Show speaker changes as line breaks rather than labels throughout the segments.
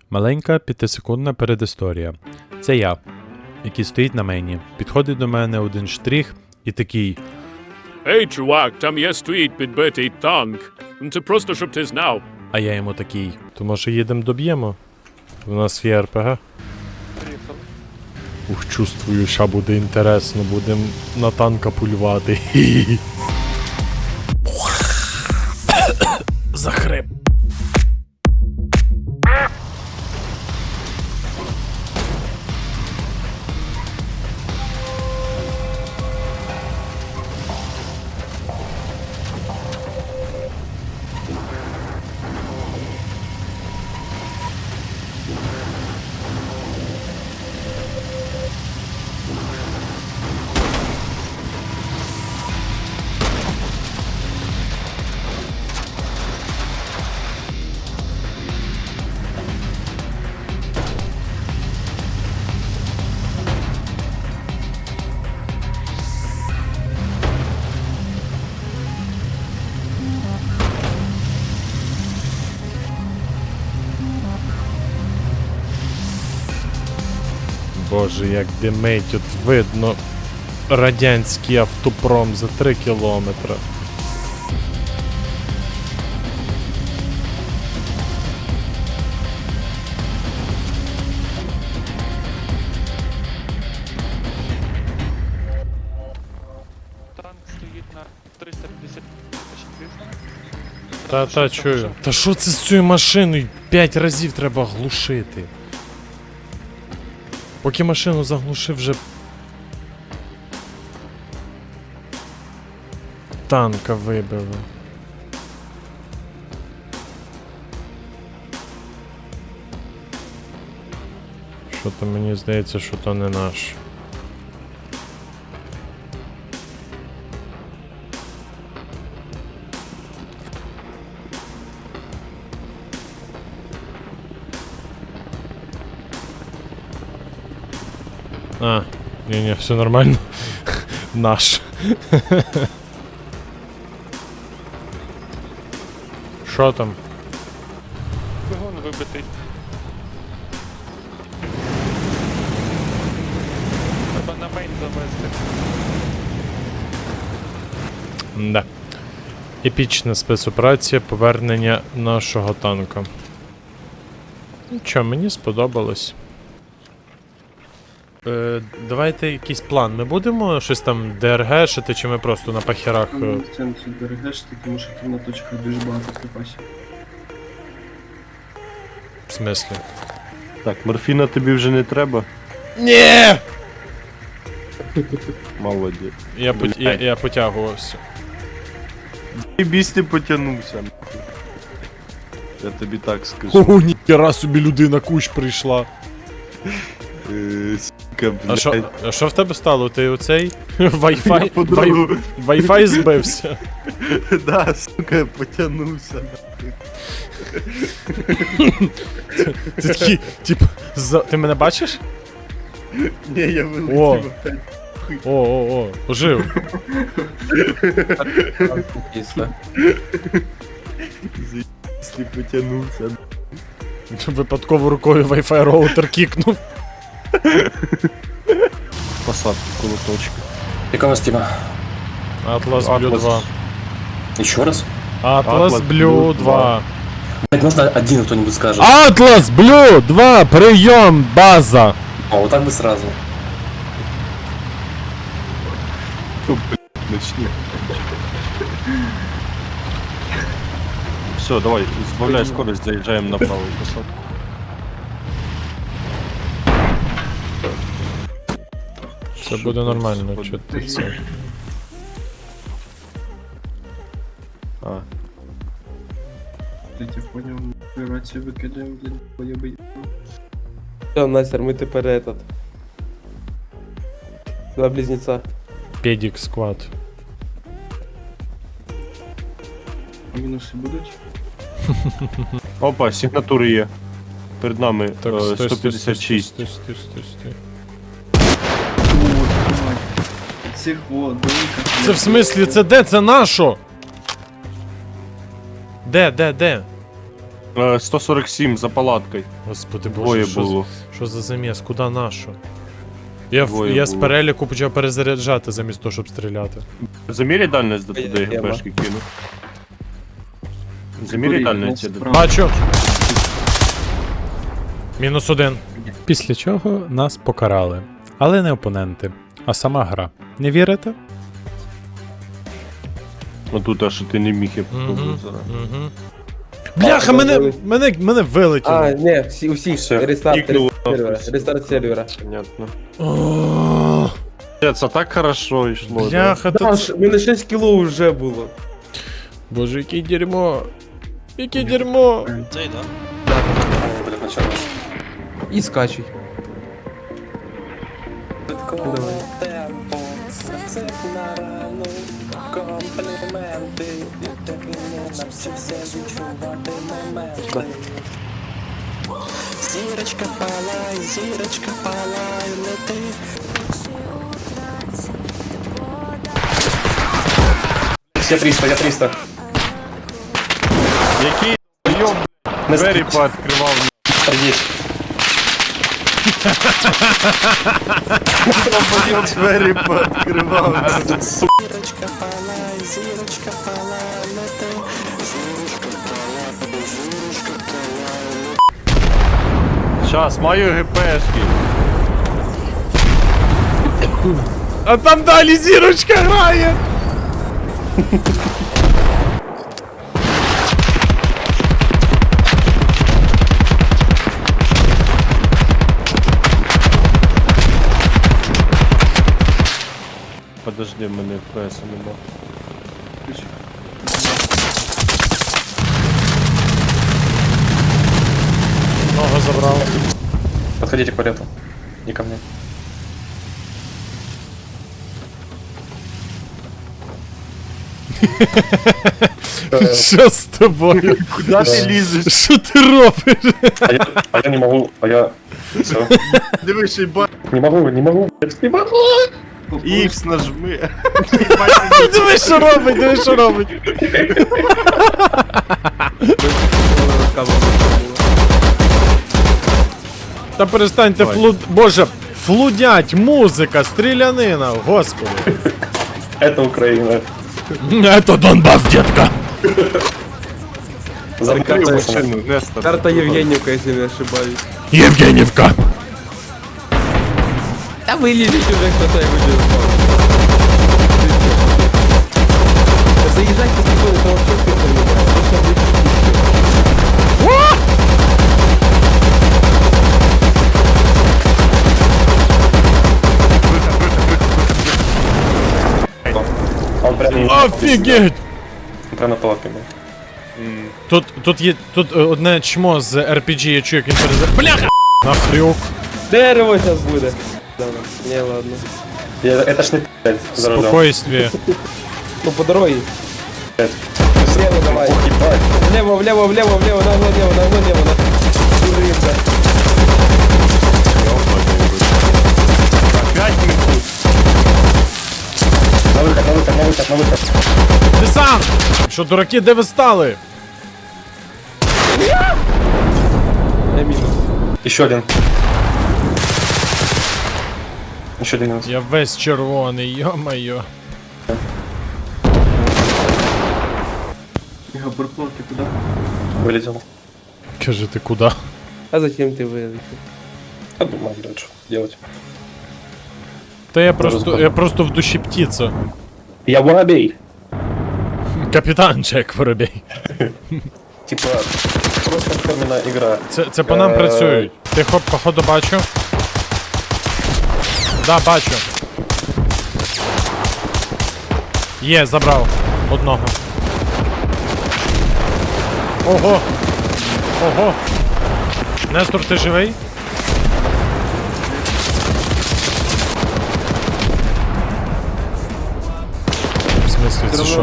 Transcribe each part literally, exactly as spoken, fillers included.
Маленька п'ятисекундна передісторія. Це я, який стоїть на мейні. Підходить до мене один штрих і такий:
Ей, чувак, там є стоїть підбитий танк. Це просто щоб ти знав.
а я йому такий: то може їдемо доб'ємо? У нас є РПГ. Ух, чувствую, що буде інтересно, будемо на танка пулювати. Захрип. Боже, як димить, тут видно радянський автопром за три кілометри.
Танк стоїть на триста п'ятдесят
Та та чую. Та що це з цією машиною? П'ять разів треба глушити. Поки машину заглушив, вже танка вибили. Що то мені здається, що то не наш. А, не-не, все нормально. Наш. Що там?
Двигун вибитий. Треба на мейн завести.
Да. Епічна спецоперація повернення нашого танка. Нічого, мені сподобалось. Е, давайте якийсь план. Ми будемо щось там ДРГшити, чи ми просто на пахерах. е,
Ну, в центрі ДРГшити, тому що там на точках дуже багато припасів.
В смислі?
Так, морфіна тобі вже не треба.
Ні!
Молодець.
Я, пот... я, я потягувався.
І біс не потягнувся. Я тобі так скажу.
О, ніхера собі людина кущ прийшла.
Е, Сука,
А що,
блядь.
а що в тебе стало? Ти оцей
Я
Wi-Fi,
по
Wi-
другу.
Wi-Fi збився?
Да, сука, потягнувся.
Ти такий, тип, за... ти мене бачиш?
Ні, я
О.
вилетів опять.
О, о, о, ожив.
Заїбсь, не потягнувся.
Випадково рукою Wi-Fi роутер кікнув.
Посадки колоточки.
Какого стима?
Atlas Blue
Atlas.
два.
Еще раз?
Atlas
Atlas
Blue
Blue
два.
Блять, можно один кто-нибудь скажет.
Atlas Blue два, прийом, база.
А вот так бы сразу.
Начни. Все, давай, збавляй скорость, заїжджаємо на праву посадку.
Все буде нормально, чо ти це.
А,
Я тебе понял, рацію викидаємо, блін, поєбий.
Все, Настер, мы теперь этот. Два близнеца.
Педик сквад.
А мінуси будуть?
Опа, сигнатури є. Перед нами
Так,
е,
стой, стой,
сто
стой,
п'ятдесят шість.
стой, стой, стой, стой.
О, давай. Цих вот, великих.
Це в смислі, це де? Це нашо? Де, де, де?
Е, сто сорок сім за палаткою.
Господи боже,
Двоє
що,
було.
з- що за заміс? Куда нашу? Я, в-
Двоє
я з
було.
переліку почав перезаряджати замість того, щоб стріляти.
Заміряй дальність до туди,
Тема.
ГПшки кину. Заміряй дальність.
Курі,
до-
справа.
Бачу! Мінус один. Після чого нас покарали. Але не опоненти, а сама гра. Не вірите?
Отут, а що ти не міг, я
Угу.
попробую зараз.
Угу. Бляха, мене, мене, мене вилетіло.
А, не, всі, усіх,
Все.
рестарт,
Кікнуло,
рестарт сервера,
нахуй.
рестарт сервера.
Понятно.
О,
Це так хорошо йшло. да.
Бляха,
Да,
то...
ж, у мене шість кіло вже було.
Боже, яке дерьмо. Яке дерьмо.
Блядь, начало.
І скачуй. Давай.
Зірочка палай, зірочка палай, лети.
Я триста, я триста.
Який йом,
Не
двері
спіть.
пооткривав.
Есть.
Йом, двері пооткривав.
Зірочка палай, зірочка палай, лети.
Щас, маю ГПшки.
А там далі зірочка грає.
Подожди, в мене ФПС нема.
Ногу забрав.
Подходите к палету. Не ко мне.
Що з тобою?
Куди ти лізеш?
Що ти робиш?
А я, а я не могу, а я... Все.
Дивись, і ба...
Не могу, не могу, блядь, не могу.
Ікс нажми.
Диви, що робить, диви, що робить. Та перестаньте
Давай.
флуд... Боже, флудять, музика, стрілянина, господи.
Это Украина.
Это Донбас, детка.
Закрив
Замкнутая
машину, Нестор.
Карта Євгенівка, якщо не ошибаюсь.
Євгенівка.
Та вилізіть уже, хто це буде. Заїжджайте спокійно, то вообще спокійно не буде. Просто виключіть.
Он прям...
Офігеть.
Он прям на палатке был.
Тут, тут є, тут е, одне чмо з ар пі джі, я чую, як він перезар... Бляха! Нахрюк.
Дерево зараз буде. Да, не, ладно.
Я, это ж не блядь, за рулем.
Спокойствие.
Ну, по дороге.
Блядь.
Влево давай.
Ох, ебать.
Влево, влево, влево, влево, нагло, влево, нагло, влево, нагло. Дурында.
Опять ми тут.
На выход, на выход, на выход, на выход.
Десант! Що, дураки, де ви стали?
Я минус.
Еще один. Еще один минус.
Я весь червоний, йо-моє.
Габарплот, ти куди?
Вылетел.
Каже, ти куди?
А зачем ты вылетел?
Я думаю, блядь, что делать.
Та я просто, я просто в душі птиця.
Я воробей.
Капітан Джек Воробей.
Типа, просто форменная игра.
Це, це по нам
Е.
працюють. Тихо, походу бачу. Да, бачу. Є, забрав. Одного. Ого! Ого! Нестор, ти живий? В смислі, це що?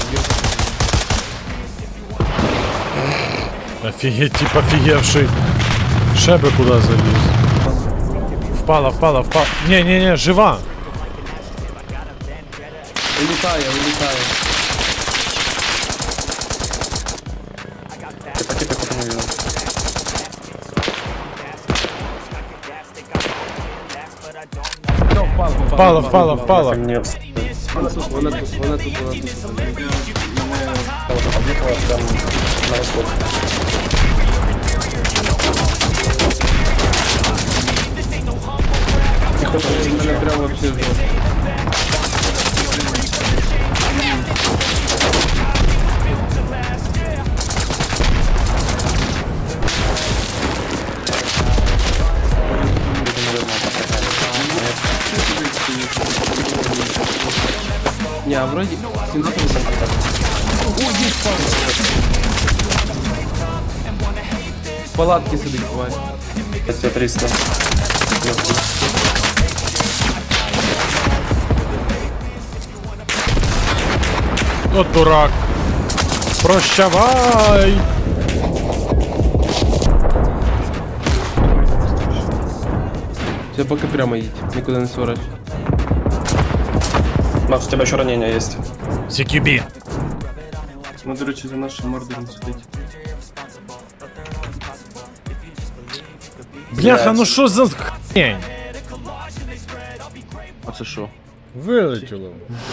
Офігеть, тип офігевший. Ще би куди заліз. Впала, впала, впала. Не, не, не, жива.
Вылетаю, вылетаю.
Типа, типа, типа, не видел.
Впала,
Впала, впала, впала.
Мне
Вона тут, вона тут, вона тут, вона тут.
уже подъехала прям на восход. Не хочешь
Мене прямо вообще жопа. Не, а вроде семнадцать высоко.
В палатки сидить, тварь.
Все триста.
От дурак. Прощавай!
Все, поки прямо їдь, нікуди не сворачуй.
Макс, у тебя еще ранение есть.
сі кью бі.
Ну, до речі, за нашим мордором сидить.
Бляха, ну що за хрень?
А це що?
Вилетіло.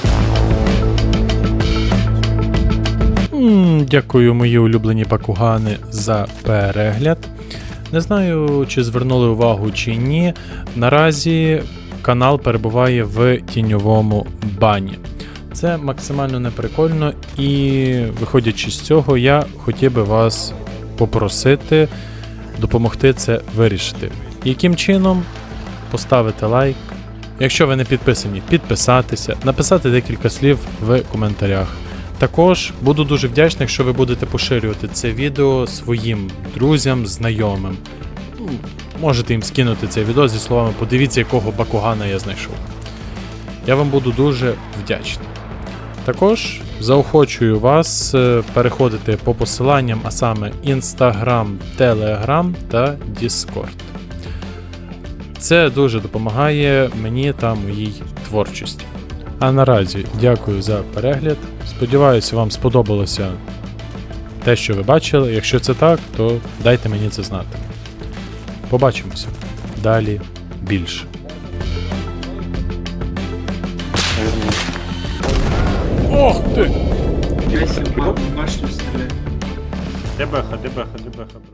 М, Дякую, мої улюблені пакугани, за перегляд. Не знаю, чи звернули увагу чи ні. Наразі канал перебуває в тіньовому бані. Це максимально неприкольно, і виходячи з цього, я хотів би вас попросити допомогти це вирішити. Яким чином? Поставити лайк. Якщо ви не підписані, підписатися, написати декілька слів в коментарях. Також буду дуже вдячний, якщо ви будете поширювати це відео своїм друзям, знайомим. Ну, Можете їм скинути це відео зі словами «Подивіться, якого бакугана я знайшов». Я вам буду дуже вдячний. Також заохочую вас е, переходити по посиланням, а саме Instagram, Telegram та Discord. Це дуже допомагає мені та моїй творчості. А наразі дякую за перегляд. Сподіваюся, вам сподобалося те, що ви бачили. Якщо це так, то дайте мені це знати. Побачимося. Далі більше. Ох ти!
Я себе башню стріляю.
Де беха, де беха, де беха, бро?